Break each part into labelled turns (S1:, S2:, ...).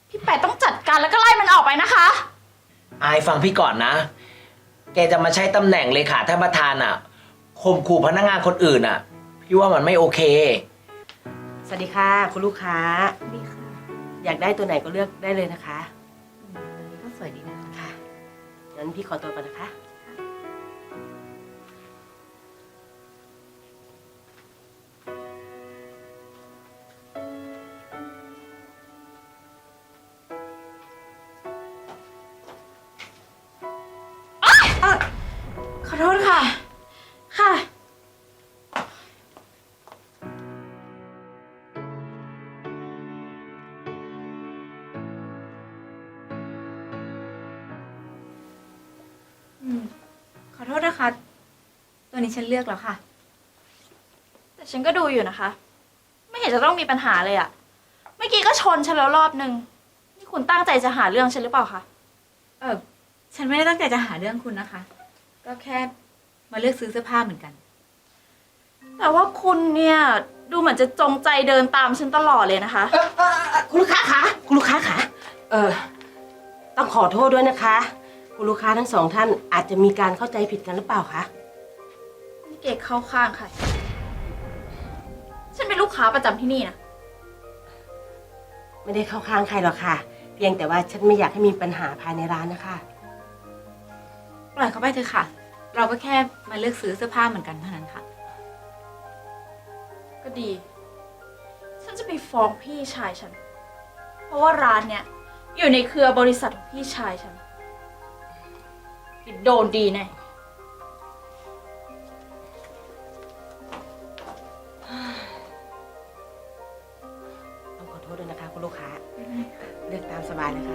S1: พี่แปะต้องจัดการแล้วก็ไล่มันออกไปนะคะ
S2: อายฟังพี่ก่อนนะ แกจะมาใช้ตำแหน่งเลขาท่านประธานอ่ะข่มขู่พนักงานคนอื่นอ่ะ พี่ว่ามันไม่โอเค
S3: สวัสดีค่ะคุณลูกค้า
S1: ดีค่ะ
S3: อยากได้ตัวไหนก็เลือกได้เลยนะคะ
S1: ตัวนี้ก็สวยดีนะคะ
S3: ค่ะงั้นพี่ขอตัวก่อนนะคะ
S1: ขอโทษค่ะ ค่ะ
S4: ขอโทษนะคะ ตัวนี้ฉันเลือกแล้วค่ะ
S1: แต่ฉันก็ดูอยู่นะคะ ไม่เห็นจะต้องมีปัญหาเลยอะเมื่อกี้ก็ชนฉันแล้วรอบนึง นี่คุณตั้งใจจะหาเรื่องฉันหรือเปล่าคะ
S4: ฉันไม่ได้ตั้งใจจะหาเรื่องคุณนะคะ ก็แค่มาเลือกซื้อเสื้อผ้าเหมือนกัน
S1: แต่ว่าคุณเนี่ยดูเหมือนจะจงใจเดินตามฉันตลอดเลยนะคะ
S3: คุณลูกค้าคะคุณลูกค้าคะต้องขอโทษด้วยนะคะ คุณลูกค้าทั้งสองท่านอาจจะมีการเข้าใจผิดกันหรือเปล่าคะ
S1: นี่เก๋เข้าข้างใครฉันเป็นลูกค้าประจำที่นี่นะ
S3: ไม่ได้เข้าข้างใครหรอกค่ะ เพียงแต่ว่าฉันไม่อยากให้มีปัญหาภายในร้านนะคะ
S4: ปล่อยเขาไปเถอะค่ะ เราก็แค่มาเลือกซื้อเสื้อผ้าเหมือนกันเท่านั้นค่ะ
S1: ก็ดี ฉันจะไปฟ้องพี่ชายฉัน เพราะว่าร้านเนี่ยอยู่ในเครือบริษัทของพี่ชายฉันโดนดีแน่
S3: ต้องขอโทษด้วยนะคะคุณลูกค้า เลือกตามสบายเลยค่ะ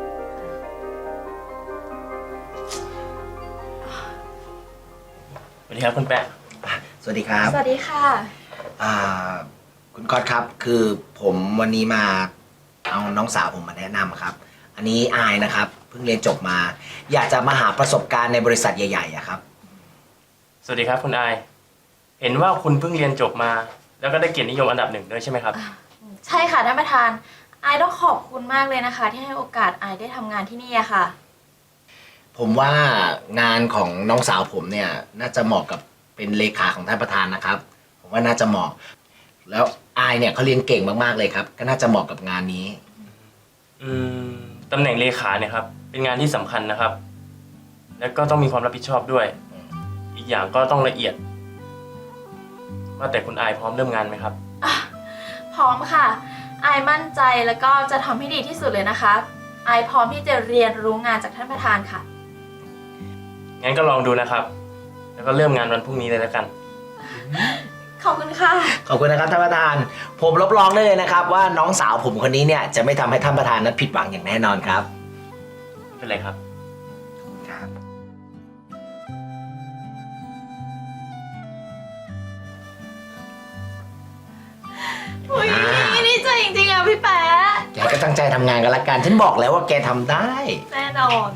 S5: สวัสดีครับคุณแปะ
S2: สวัสดีครับ
S1: สวัสดีค่ะ
S2: อ่าคุณก๊อตครับคือผมวันนี้มาเอาน้องสาวผมมาแนะนำครับ อันนี้อายนะครับเพิ่งเรียนจบมา อยากจะมาหาประสบการณ์ในบริษัทใหญ่ๆอะครับ
S5: สวัสดีครับคุณอาย เห็นว่าคุณเพิ่งเรียนจบมา แล้วก็ได้เกียรตินิยมอันดับ1ด้วยใช่ไหมครับ
S1: ใช่ค่ะท่านประธานอายต้องขอบคุณมากเลยนะคะ ที่ให้โอกาสอายได้ทำงานที่นี่อะค่ะ
S2: ผมว่างานของน้องสาวผมเนี่ยน่าจะเหมาะกับเป็นเลขาของท่านประธานนะครับ ผมว่าน่าจะเหมาะ แล้วอายเนี่ยเขาเรียนเก่งมากๆเลยครับ ก็น่าจะเหมาะกับงานนี้
S5: อืมตำแหน่งเลขาเนี่ยครับ เป็นงานที่สำคัญนะครับ แล้วก็ต้องมีความรับผิดชอบด้วย อีกอย่างก็ต้องละเอียด ว่าแต่คุณอายพร้อมเริ่มงานไหมครับ
S1: พร้อมค่ะอายมั่นใจแล้วก็จะทำให้ดีที่สุดเลยนะคะอายพร้อมที่จะเรียนรู้งานจากท่านประธานค่ะ
S5: งั้นก็ลองดูนะครับ แล้วก็เริ่มงานวันพรุ่งนี้เลยแล้วกัน
S1: ขอบคุณค่ะ
S2: ขอบคุณนะครับท่านประธาน ผมรับรองได้เลยนะครับ ว่าน้องสาวผมคนนี้เนี่ยจะไม่ทำให้ท่านประธานนั้นผิดหวังอย่างแน่นอนครับ
S5: ไม่เป็นไรครับ
S2: ครับ
S1: อุ้ยดีใจจริงๆอะพี่แป๊ะ
S2: แกก็ตั้งใจทำงานกันละกัน ฉันบอกแล้วว่าแกทำได้
S1: แน่นอน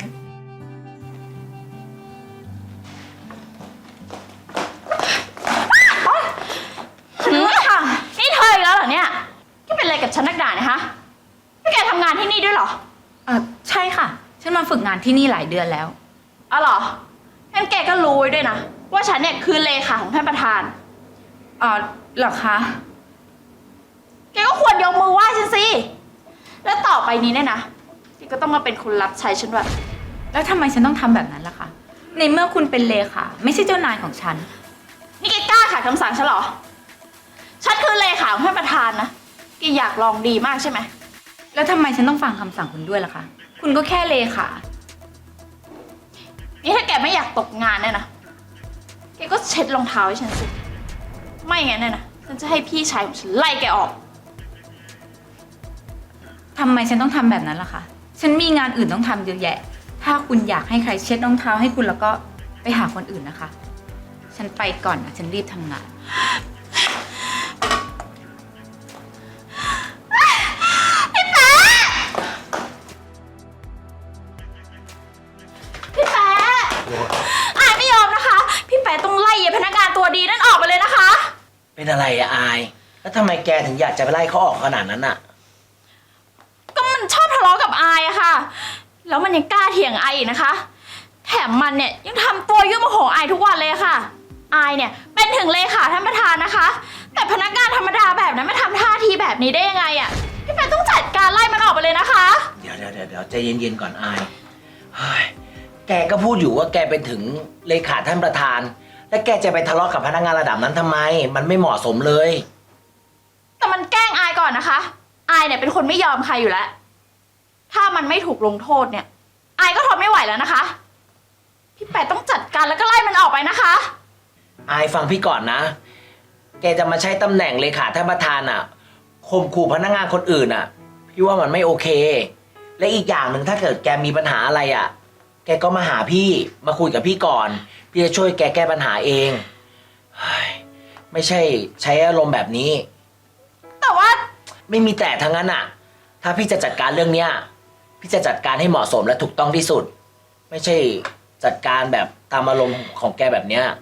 S1: ค่ะนี่เธออีกแล้วเหรอเนี่ยแกเป็นอะไรกับฉันนักด่าเนี่ยฮะนี่แกทำงานที่นี่ด้วยเหรอ
S4: ใช่ค่ะ ฉันมาฝึกงานที่นี่หลายเดือนแล้ว
S1: อ๋อเหรองั้นแกก็รู้ไว้ด้วยนะว่าฉันเนี่ยคือเลขาของท่านประธาน
S4: เหรอคะ
S1: แกก็ควรยกมือไหว้ฉันสิ แล้วต่อไปนี้เนี่ยนะแกก็ต้องมาเป็นคนรับใช้ฉันด้วย
S4: แล้วทำไมฉันต้องทำแบบนั้นล่ะคะ ในเมื่อคุณเป็นเลขาไม่ใช่เจ้านายของฉัน
S1: นี่แกกล้าขัดคำสั่งฉันเหรอ ฉันคือเลขาของท่านประธานนะแกอยากลองดีมากใช่ไหม
S4: แล้วทำไมฉันต้องฟังคำสั่งคุณด้วยล่ะคะ คุณก็แค่เลขา
S1: นี่ถ้าแกไม่อยากตกงานเนี่ยนะ แกก็เช็ดรองเท้าให้ฉันสิ ไม่งั้นเนี่ยนะฉันจะให้พี่ชายของฉันไล่แกออก
S4: ทำไมฉันต้องทำแบบนั้นล่ะคะ ฉันมีงานอื่นต้องทำเยอะแยะ ถ้าคุณอยากให้ใครเช็ดรองเท้าให้คุณแล้วก็ไปหาคนอื่นนะคะ ฉันไปก่อนนะ ฉันรีบทำงาน
S1: พี่แป๊ะอายไม่ยอมนะคะ พี่แป๊ะต้องไล่พนักงานตัวดีนั่นออกไปเลยนะคะ
S2: เป็นอะไรอะอาย แล้วทำไมแกถึงอยากจะไปไล่เขาออกขนาดนั้นอะ
S1: ก็มันชอบทะเลาะแล้วมันยังกล้าเถียงไออีกนะคะ แถมมันเนี่ยยังทำตัวยุ่งโมโหไอทุกวันเลยค่ะไอเนี่ยเป็นถึงเลขาท่านประธานนะคะ แต่พนักงานธรรมดาแบบนั้นไม่ทำท่าทีแบบนี้ได้ยังไงอะพี่แปะต้องจัดการไล่มันออกไปเลยนะคะ
S2: เดี๋ยวใจเย็นๆก่อนอายเฮ้ยแกก็พูดอยู่ว่าแกเป็นถึงเลขาท่านประธาน แล้วแกจะไปทะเลาะกับพนักงานระดับนั้นทำไม มันไม่เหมาะสมเลย
S1: แต่มันแกล้งอายก่อนนะคะอายเนี่ยเป็นคนไม่ยอมใครอยู่แล้ว ถ้ามันไม่ถูกลงโทษเนี่ยอายก็ทนไม่ไหวแล้วนะคะ พี่แปะต้องจัดการแล้วก็ไล่มันออกไปนะคะ
S2: อายฟังพี่ก่อนนะ แกจะมาใช้ตำแหน่งเลขาท่านประธานอ่ะข่มขู่พนักงานคนอื่นอ่ะ พี่ว่ามันไม่โอเค และอีกอย่างหนึ่งถ้าเกิดแกมีปัญหาอะไรอ่ะ แกก็มาหาพี่มาคุยกับพี่ก่อน พี่จะช่วยแกแก้ปัญหาเองเฮ้ยไม่ใช่ใช้อารมณ์แบบนี้
S1: แต่ว่า
S2: ไม่มีแต่ทั้งนั้นอ่ะ ถ้าพี่จะจัดการเรื่องเนี้ย พี่จะจัดการให้เหมาะสมและถูกต้องที่สุด ไม่ใช่จัดการแบบตามอารมณ์ของแกแบบเนี้ย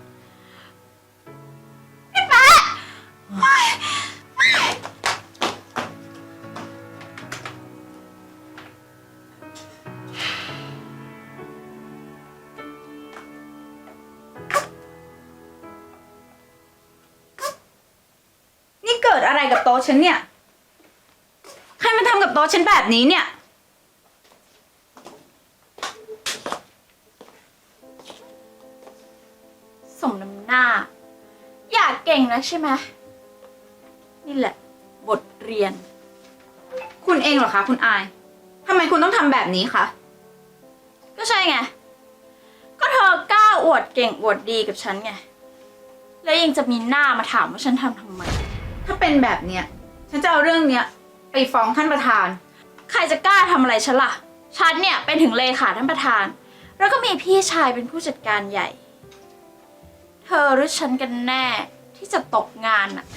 S4: นี่เกิดอะไรกับโต๊ะฉันเนี่ย ใครมาทำกับโต๊ะฉันแบบนี้เนี่ย
S1: สมน้ำหน้า อยากเก่งนะใช่ไหมนี่แหละ บทเรียน
S4: คุณเองเหรอคะคุณอายทำไมคุณต้องทำแบบนี้คะ
S1: ก็ใช่ไง ก็เธอกล้าอวดเก่งอวดดีกับฉันไง แล้วยังจะมีหน้ามาถามว่าฉันทำไม
S4: ถ้าเป็นแบบเนี้ยฉันจะเอาเรื่องเนี้ยไปฟ้องท่านประธาน
S1: ใครจะกล้าทำอะไรฉันล่ะ ฉันเนี่ยเป็นถึงเลขาท่านประธาน แล้วก็มีพี่ชายเป็นผู้จัดการใหญ่ เธอหรือฉันกันแน่ที่จะตกงานน่ะ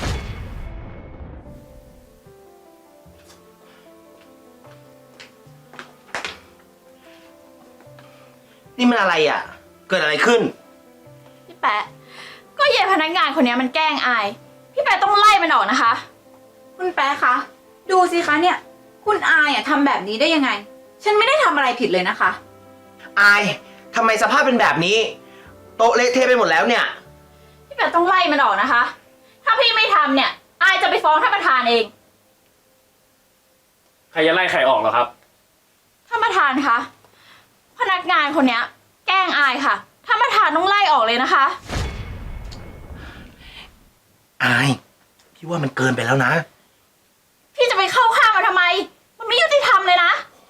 S2: นี่มันอะไรอ่ะ เกิดอะไรขึ้น
S1: พี่แปะ ก็เย่พนักงานคนนี้มันแกล้งอาย พี่แปะต้องไล่มันออกนะคะ
S4: คุณแป๊ะคะ ดูสิคะเนี่ย คุณอายทำแบบนี้ได้ยังไง ฉันไม่ได้ทำอะไรผิดเลยนะคะ
S2: อายทำไมสภาพเป็นแบบนี้ โต๊ะเละเทะไปหมดแล้วเนี่ย
S1: พี่แปะต้องไล่มันออกนะคะ ถ้าพี่ไม่ทำเนี่ย อายจะไปฟ้องท่านประธานเอง
S5: ใครจะไล่ใครออกเหรอครับ
S1: ท่านประธานคะ พนักงานคนเนี้ย แกล้งอายค่ะ ท่านประธานต้องไล่ออกเลยนะคะ
S2: อาย พี่ว่ามันเกินไปแล้วนะ
S1: พี่จะไปเข้าข้างมันทำไม มันไม่ยุติธรรมเลยนะ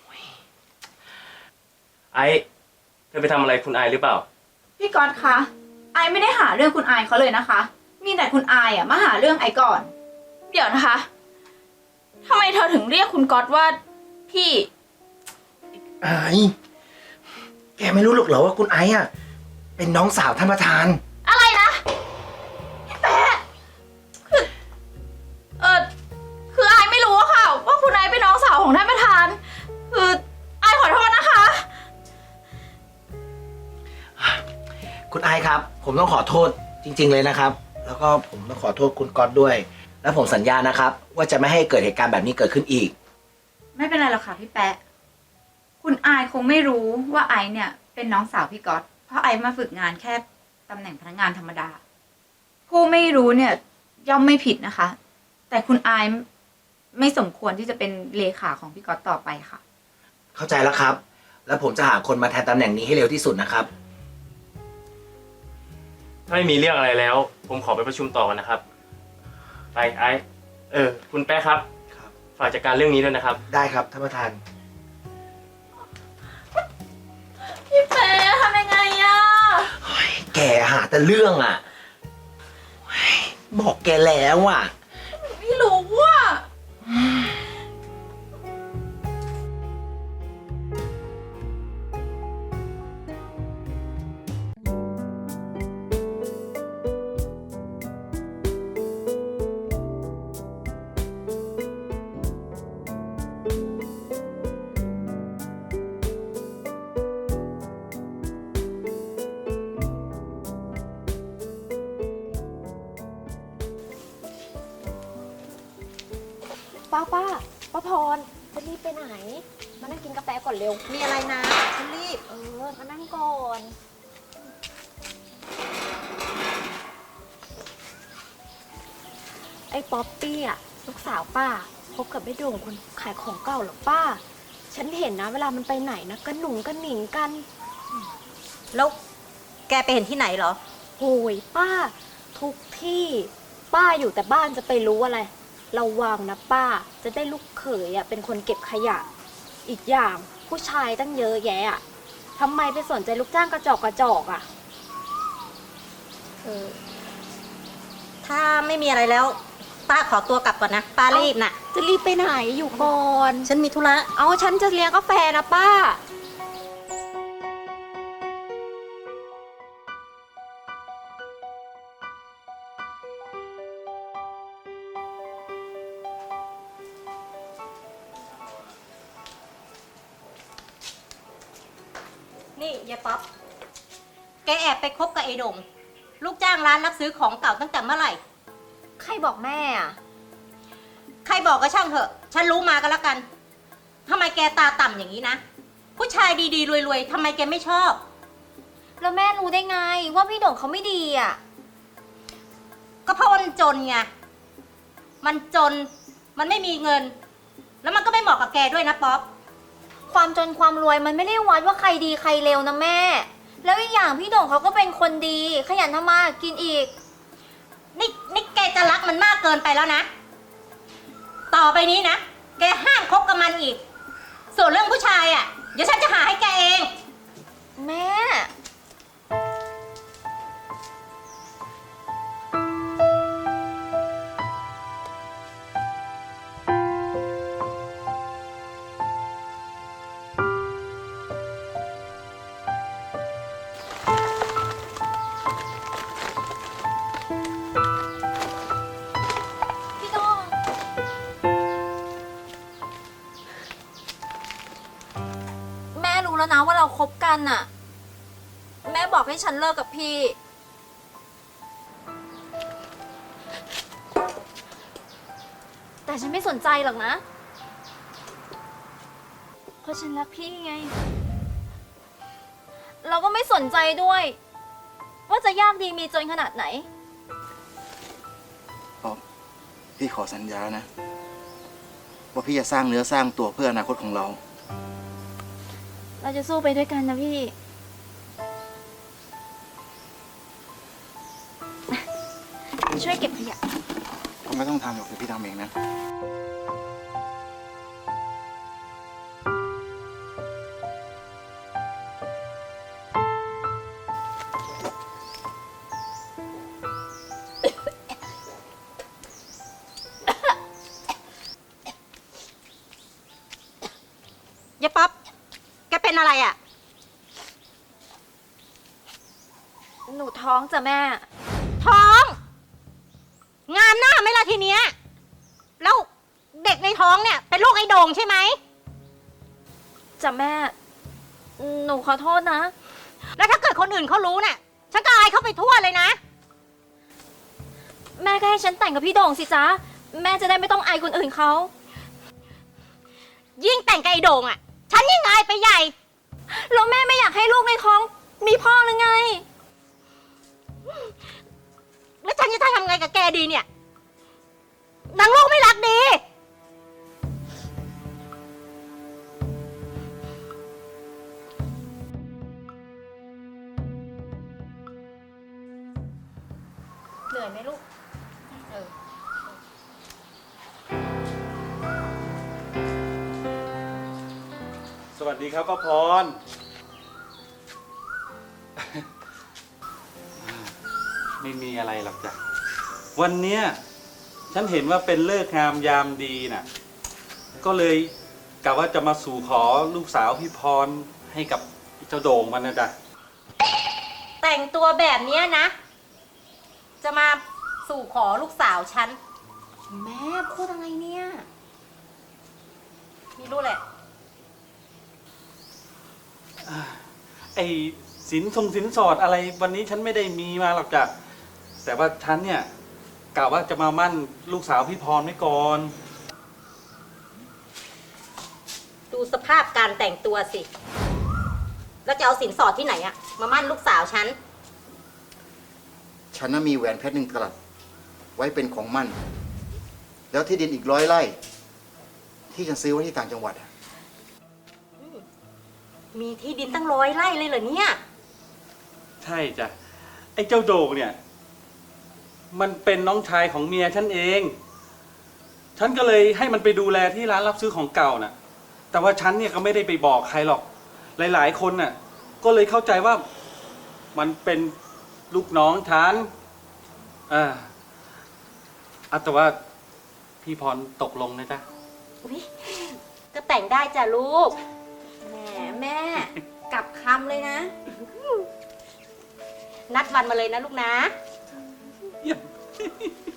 S5: ไอ้เธอไปทำอะไรคุณไอหรือเปล่า
S4: พี่ก๊อตคะไอไม่ได้หาเรื่องคุณอายเขาเลยนะคะ มีแต่คุณอายมาหาเรื่องไอก่อน
S1: เดี๋ยวนะคะทำไมเธอถึงเรียกคุณก๊อตว่าพี่
S2: อาย แกไม่รู้หรอกเหรอว่าคุณไอ้อะเป็นน้องสาวท่านประธาน
S1: อะไรนะพี่แปะคืออายไม่รู้อะค่ะ ว่าคุณนายเป็นน้องสาวของท่านประธาน คืออายขอโทษนะคะ
S2: คุณไอายครับ ผมต้องขอโทษจริง ๆ เลยนะครับ แล้วก็ผมต้องขอโทษคุณก๊อตด้วย และผมสัญญานะครับ ว่าจะไม่ให้เกิดเหตุการณ์แบบนี้เกิดขึ้นอีก
S4: ไม่เป็นไรหรอกค่ะพี่แปะ คุณอายคงไม่รู้ว่าไอเนี่ยเป็นน้องสาวพี่ก๊อต เพราะไอมาฝึกงานแค่ตำแหน่งพนักงานธรรมดา ผู้ไม่รู้เนี่ยย่อมไม่ผิดนะคะ แต่คุณอายไม่สมควรที่จะเป็นเลขาของพี่ก๊อตต่อไปค่ะ
S2: เข้าใจแล้วครับ แล้วผมจะหาคนมาแทนตำแหน่งนี้ให้เร็วที่สุดนะครับ
S5: ถ้าไม่มีเรื่องอะไรแล้ว ผมขอไปประชุมต่อกันนะครับ ไปไอ้คุณแป๊ะครับ
S2: ครับ
S5: ฝากจัดการเรื่องนี้ด้วยนะครับ
S2: ได้ครับท่านประธาน
S1: พี่แปะทำยังไงอะ
S2: แกหาแต่เรื่องอ่ะเฮ้ยบอกแกแล้วอ่ะ
S1: ไม่รู้ว่า
S6: ป้าพรจะรีบไปไหน มานั่งกินนกาแฟก่อนเร็ว
S7: มีอะไรนะฉันรีบ
S6: มานั่งก่อน ไอ้ป๊อปปี้อ่ะลูกสาวป้าคบกับไอ้โด่งคนขายของเก่าเหรอป้า ฉันเห็นนะเวลามันไปไหนนะก็หนุ่งก็หนิงกัน
S7: แล้วแกไปเห็นที่ไหนเหรอ
S6: โอ้ยป้า ทุกที่ป้าอยู่แต่บ้านจะไปรู้อะไรระวังนะป้าจะได้ลูกเขยอ่ะเป็นคนเก็บขยะ อีกอย่างผู้ชายตั้งเยอะแยะอ่ะทำไมไปสนใจลูกจ้างกระจอกอ่ะ
S7: ถ้าไม่มีอะไรแล้ว ป้าขอตัวกลับก่อนนะ ป้ารีบน่ะ
S6: จะรีบไปไหนอยู่ก่อน
S7: ฉันมีธุระ
S6: เอาฉันจะเลี้ยงกาแฟนะป้า
S7: นี่ยายป๊อป แกแอบไปคบกับไอ้โด่งลูกจ้างร้านรับซื้อของเก่าตั้งแต่เมื่อไหร่
S6: ใครบอกแม่อ่ะ
S7: ใครบอกก็ช่างเถอะ ฉันรู้มาก็แล้วกันทำไมแกตาต่ำอย่างนี้นะ ผู้ชายดีๆรวยๆทำไมแกไม่ชอบ
S6: แล้วแม่รู้ได้ไงว่าพี่โด่งเขาไม่ดีอ่ะ
S7: ก็เพราะมันจนไง มันจน มันไม่มีเงิน แล้วมันก็ไม่เหมาะกับแกด้วยนะป๊อป
S6: ความจนความรวยมันไม่ได้วัดว่าใครดีใครเลวนะแม่ แล้วอีกอย่างพี่โด่งเขาก็เป็นคนดี ขยันทำมาหากินอีก
S7: นี่แกจะรักมันมากเกินไปแล้วนะ ต่อไปนี้นะ แกห้ามคบกับมันอีก ส่วนเรื่องผู้ชายอ่ะ เดี๋ยวฉันจะหาให้แกเอง
S6: แม่ พี่โด่งแม่รู้แล้วนะว่าเราคบกันน่ะ แม่บอกให้ฉันเลิกกับพี่ แต่ฉันไม่สนใจหรอกนะ เพราะฉันรักพี่ไง เราก็ไม่สนใจด้วย ว่าจะยากดีมีจนขนาดไหน
S8: ป๊อปพี่ขอสัญญานะ ว่าพี่จะสร้างเนื้อสร้างตัวเพื่ออนาคตของเรา
S6: เราจะสู้ไปด้วยกันนะพี่ ช่วยเก็บขยะ
S8: ก็ไม่ต้องทำหรอกเดี๋ยวพี่ทำเองนะ
S7: ยายป๊อป แกเป็นอะไรอ่ะ
S6: หนูท้องจ้ะแม่
S7: ท้อง งามหน้าไหมล่ะทีเนี้ย แล้วเด็กในท้องเนี่ย เป็นลูกไอ้โด่งใช่ไหม
S6: จ้ะแม่ หนูขอโทษนะ
S7: แล้วถ้าเกิดคนอื่นเขารู้เนี่ย ฉันก็อายเขาไปทั่วเลยนะ
S6: แม่ก็ให้ฉันแต่งกับพี่โด่งสิจ๊ะ แม่จะได้ไม่ต้องอายคนอื่นเขา
S7: ยิ่งแต่งกับไอ้โด่งอ่ะ ฉันยิ่งอายไปใหญ่
S6: แล้วแม่ไม่อยากให้ลูกในท้องมีพ่อหรือไง
S7: แล้วฉันจะทำไงกับแกดีเนี่ยนางลูกไม่รักดี
S6: เหนื่อยไหมลูก
S9: สวัสดีครับป้าพร ไม่มีอะไรหรอกจ้ะ วันเนี้ยฉันเห็นว่าเป็นฤกษ์งามยามดีน่ะ ก็เลยกะว่าจะมาสู่ขอลูกสาวพี่พรให้กับเจ้าโด่งมันนะจ๊ะ
S7: แต่งตัวแบบเนี้ยนะ จะมาสู่ขอลูกสาวฉัน
S6: แม่พูดอะไรเนี่ย
S7: ไม่รู้แหละ
S9: ไอ้สินสอดอะไรวันนี้ฉันไม่ได้มีมาหรอกจ้ะ แต่ว่าฉันเนี่ยกะว่าจะมามั่นลูกสาวพี่พรไว้ก่อน
S7: ดูสภาพการแต่งตัวสิ แล้วจะเอาสินสอดที่ไหนอะมามั่นลูกสาวฉัน
S8: ฉันน่ะมีแหวนเพชร1 กะรัตไว้เป็นของมั่น แล้วที่ดินอีก100 ไร่ ที่ฉันซื้อไว้ที่ต่างจังหวัดอะ
S7: มีที่ดินตั้ง100 ไร่เลยเหรอเนี่ย
S9: ใช่จ้ะ ไอ้เจ้าโด่งเนี่ย มันเป็นน้องชายของเมียฉันเอง ฉันก็เลยให้มันไปดูแลที่ร้านรับซื้อของเก่าน่ะ แต่ว่าฉันเนี่ยก็ไม่ได้ไปบอกใครหรอก หลาย ๆ คนน่ะ ก็เลยเข้าใจว่ามันเป็นลูกน้องฉันแต่ว่าพี่พรตกลงนะจ๊ะ
S7: อุ๊ยก็แต่งได้จ้ะลูก
S4: แหมแม่ กลับคำเลยนะ
S7: นัดวันมาเลยนะลูกนะ
S9: เยี่ยม